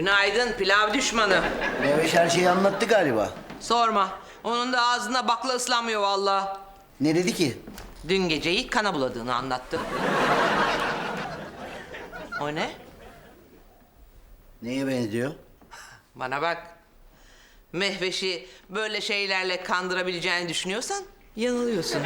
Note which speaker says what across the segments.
Speaker 1: Günaydın pilav düşmanı.
Speaker 2: Meveş her şeyi anlattı galiba.
Speaker 1: Sorma. Onun da ağzına bakla ıslanmıyor vallahi.
Speaker 2: Ne dedi ki?
Speaker 1: Dün geceyi kana buladığını anlattı. O ne?
Speaker 2: Neye benziyor?
Speaker 1: Bana bak. Mehveş'i böyle şeylerle kandırabileceğini düşünüyorsan yanılıyorsun.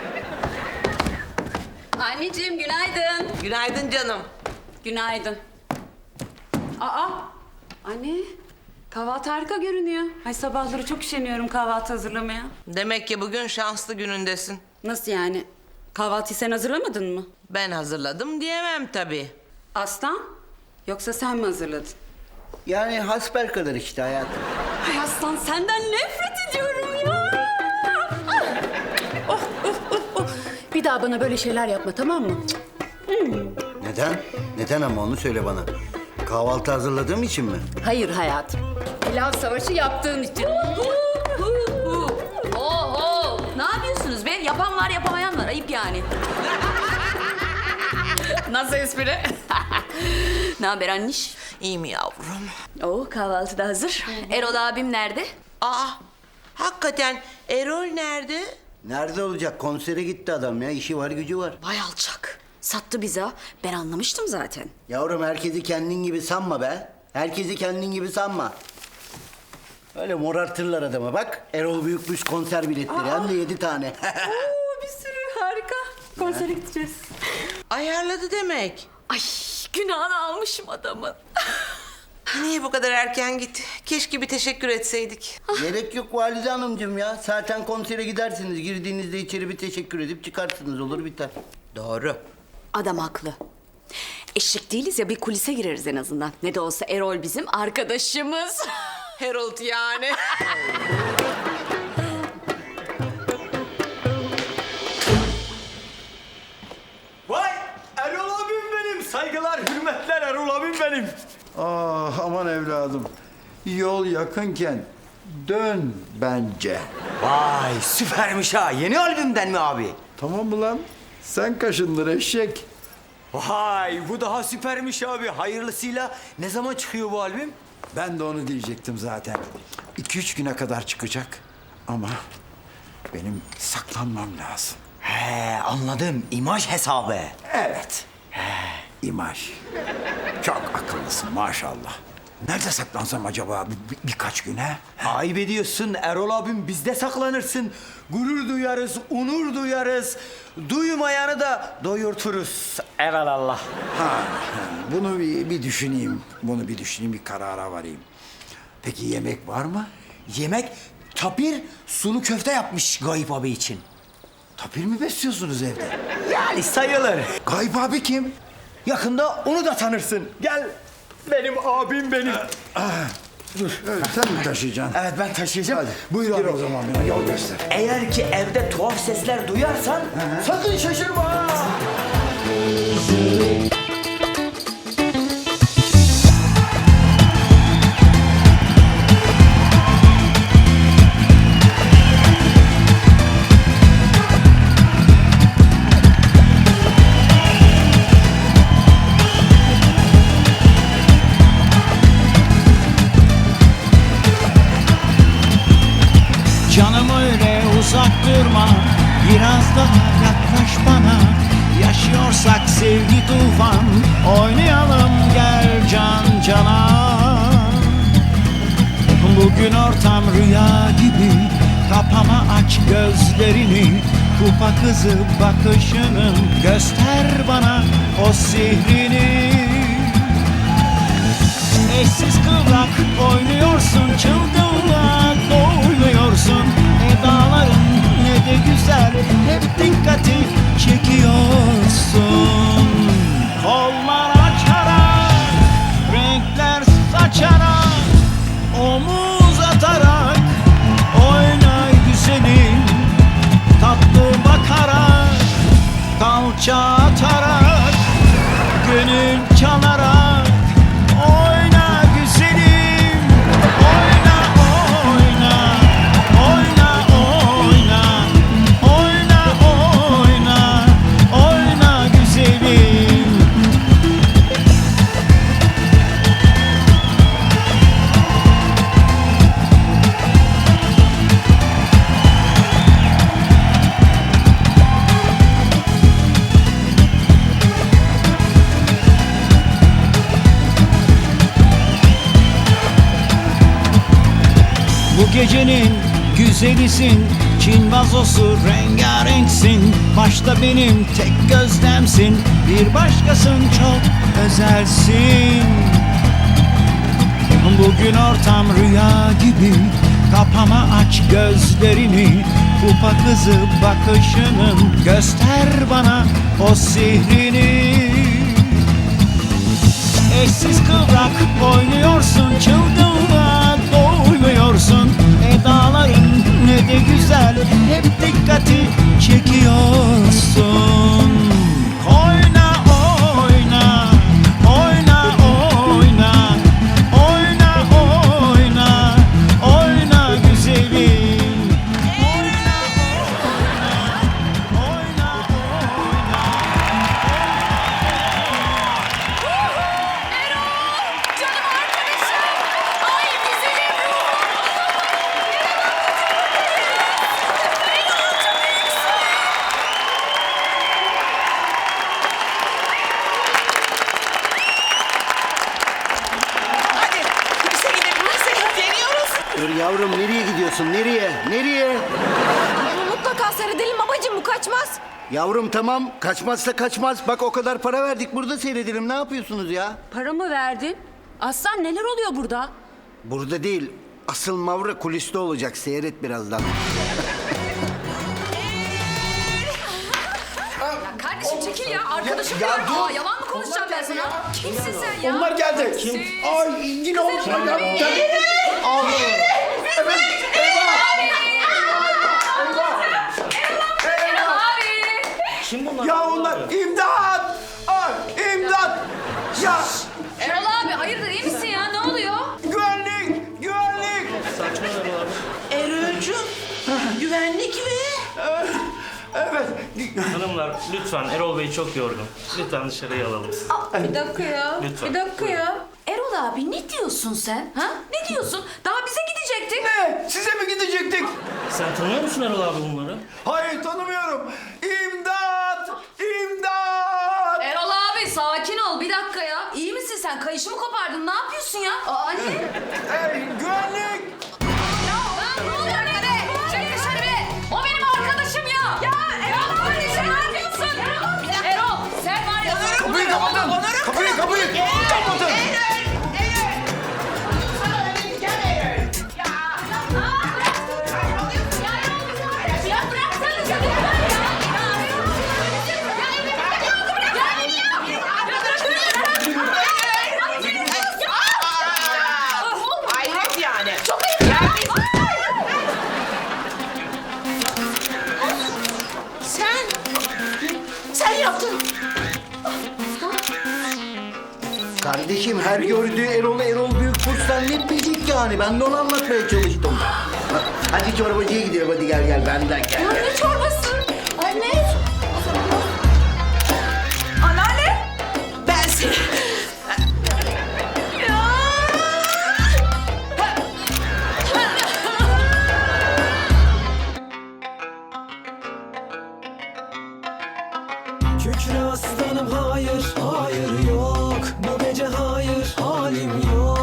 Speaker 3: Anneciğim günaydın.
Speaker 1: Günaydın canım.
Speaker 3: Günaydın. Aa, anne kahvaltı harika görünüyor. Ay sabahları çok üşeniyorum kahvaltı hazırlamaya.
Speaker 1: Demek ki bugün şanslı günündesin.
Speaker 3: Nasıl yani? Kahvaltıyı sen hazırlamadın mı?
Speaker 1: Ben hazırladım diyemem tabii.
Speaker 3: Aslan? Yoksa sen mi hazırladın?
Speaker 2: Yani hasbelkader işte hayatım.
Speaker 3: Ay Aslan senden nefret ediyorum ya. Bir daha bana böyle şeyler yapma tamam mı?
Speaker 2: Neden? Neden ama onu söyle bana. Kahvaltı hazırladığım için mi?
Speaker 3: Hayır hayatım. Pilav savaşı yaptığın için. Oho! Ne yapıyorsunuz be? Yapan var yapamayan var. Ayıp yani. Nasıl espri? Ne haber anniş?
Speaker 1: İyi mi yavrum?
Speaker 3: Oo kahvaltı da hazır. Erol abim nerede?
Speaker 1: Aa, hakikaten Erol nerede?
Speaker 2: Nerede olacak? Konsere gitti adam ya. İşi var gücü var.
Speaker 3: Vay alçak. Sattı bize. Ben anlamıştım zaten.
Speaker 2: Yavrum herkesi kendin gibi sanma be. Herkesi kendin gibi sanma. Öyle morartırlar adama bak. Erol Büyükmüş konser biletleri hem de 7 tane.
Speaker 3: Oo bir sürü harika. Konsere gideceğiz.
Speaker 1: Ayarladı demek.
Speaker 3: Ay günahını almışım adamın.
Speaker 1: Niye bu kadar erken gitti? Keşke bir teşekkür etseydik.
Speaker 2: Gerek yok Valide Hanımcığım ya. Zaten konsere gidersiniz. Girdiğinizde içeri bir teşekkür edip çıkarsınız. Olur biter.
Speaker 1: Doğru.
Speaker 3: Adam haklı. Eşek değiliz ya bir kulise gireriz en azından. Ne de olsa Erol bizim arkadaşımız.
Speaker 1: Harold yani.
Speaker 4: Vay Erol abim benim. Saygılar, hürmetler Erol abim benim.
Speaker 5: Ah aman evladım. Yol yakınken dön bence.
Speaker 4: Vay süpermiş ha. Yeni albümden mi abi?
Speaker 5: Tamam mı lan? Sen kaşındır eşek.
Speaker 4: Vay bu daha süpermiş abi. Hayırlısıyla ne zaman çıkıyor bu albüm?
Speaker 5: Ben de onu diyecektim zaten. 2-3 güne kadar çıkacak. Ama benim saklanmam lazım.
Speaker 4: He anladım. İmaj hesabı.
Speaker 5: Evet. İmaj. Çok akıllısın maşallah. Nerede saklansam acaba birkaç güne?
Speaker 4: Ayıp ediyorsun Erol abim. Bizde saklanırsın. Gurur duyarız, onur duyarız. Duymayanı da doyurturuz. Evelallah.
Speaker 5: Bunu bir düşüneyim. Bunu bir düşüneyim, bir karara varayım. Peki yemek var mı?
Speaker 4: Yemek tapir sulu köfte yapmış Gayip abi için.
Speaker 5: Tapir mi besliyorsunuz evde?
Speaker 4: Yani sayılır.
Speaker 5: Gayip abi kim?
Speaker 4: Yakında onu da tanırsın. Gel. Benim abim benim.
Speaker 5: Evet, sen mi taşıyacaksın?
Speaker 4: Evet ben taşıyacağım.
Speaker 5: Hadi.
Speaker 4: Buyur
Speaker 5: Gir
Speaker 4: abi.
Speaker 5: o zaman bana yol göster.
Speaker 4: Eğer ki evde tuhaf sesler duyarsan sakın şaşırma.
Speaker 6: Canım öyle uzak durma, biraz daha yaklaş bana. Yaşıyorsak sevgi tufan, oynayalım gel can cana. Bugün ortam rüya gibi, kapama aç gözlerini. Kupa kızı bakışının, göster bana o sihrini. Eşsiz kıvrak oynuyorsun, çılgınlığa doymuyorsun. Ne dağların ne de güzel, hep dikkati çekiyorsun. Kollar açarak, renkler saçarak, omuz atarak, oyna güzelim. Tatlı bakarak, kalça atarak, gönül çalarak. Oyna güzelim, oyna oyna, oyna oyna, oyna oyna. Bu gecenin güzelisin, Çin vazosu rengarenksin. Başta benim tek gözlemsin, bir başkasın çok özelsin. Bugün ortam rüya gibi, kapama aç gözlerini. Kupa kızı bakışının, göster bana o sihrini. Eşsiz kıvrak oynuyorsun, çılgınlığa doymuyorsun. Edaların ne de güzel, hep dikkati çekiyorsun. Oyna oyna, oyna oyna, oyna oyna, oyna güzelim. Oyna oyna, oyna oyna.
Speaker 3: Canım arkadaşım. Ay güzelim ruhum.
Speaker 1: Hadi kulise gidip kulise deniyoruz.
Speaker 2: Dur yavrum, nereye gidiyorsun? Nereye? Nereye?
Speaker 3: Mutlaka seyredelim babacığım, bu kaçmaz.
Speaker 2: Yavrum tamam, kaçmazsa kaçmaz. Bak o kadar para verdik, burada seyredelim. Ne yapıyorsunuz ya?
Speaker 3: Para mı verdin? Aslan neler oluyor burada?
Speaker 2: Burada değil, asıl Mavra kuliste olacak. Seyret birazdan.
Speaker 3: Kardeşim çekil ya, arkadaşım
Speaker 5: Ya
Speaker 3: diyorum.
Speaker 5: dur.
Speaker 3: Aa, yalan mı konuşacağım ben sana? Kimsin sen ya?
Speaker 5: Onlar geldi. Kim? Ay yine olmuş.
Speaker 3: Güzelim
Speaker 5: Ya,
Speaker 3: abi.
Speaker 5: geldi. Aa, evet. Eyvah.
Speaker 3: Abi!
Speaker 5: Ya onlar imdat. Ay imdat. Ya
Speaker 3: Erol abi hayırdır, iyi misin ya? Ne oluyor?
Speaker 5: güvenlik. Güvenlik.
Speaker 1: Erol'cum, güvenlik mi?
Speaker 5: Evet.
Speaker 7: Hanımlar lütfen, Erol Bey çok yorgun. Lütfen dışarıya alalım.
Speaker 3: Bir dakika ya.
Speaker 7: Lütfen.
Speaker 3: Bir dakika ya. Erol abi ne diyorsun sen? Ha? Ne diyorsun? Daha bize gidecektik.
Speaker 5: Ne? Size mi gidecektik?
Speaker 7: Sen tanıyor musun Erol abi bunları?
Speaker 5: Hayır tanımıyorum. İmdat. İmdat.
Speaker 3: Erol abi sakin ol, bir dakika ya. İyi misin sen? Kayışı mı kopardın? Ne yapıyorsun ya? Aa, anne.
Speaker 5: Güvenlik.
Speaker 3: Lan ne oluyor be? Çek dışarı be. O benim arkadaşım ya. Ya Erol kardeşim ne yapıyorsun? Erol sen var ya.
Speaker 5: Kapıyı kapatın. Kapıyı kapatın.
Speaker 3: Ya bıraksana canım.
Speaker 1: Hayret yani.
Speaker 3: Çok ayıp ya.
Speaker 1: Sen yaptın.
Speaker 2: Kardeşim her gördüğü Erol Büyük Kurs zannetmeyecek yani. Ben de onu anlatmaya çalıştım. Hadi çorbacıya gidelim, hadi gel benden gel.
Speaker 3: Ne çorbası? Anne. Anneanne.
Speaker 1: Ben seni...
Speaker 8: Kükre aslanım hayır, hayır yok. Bu gece hayır, halim yok.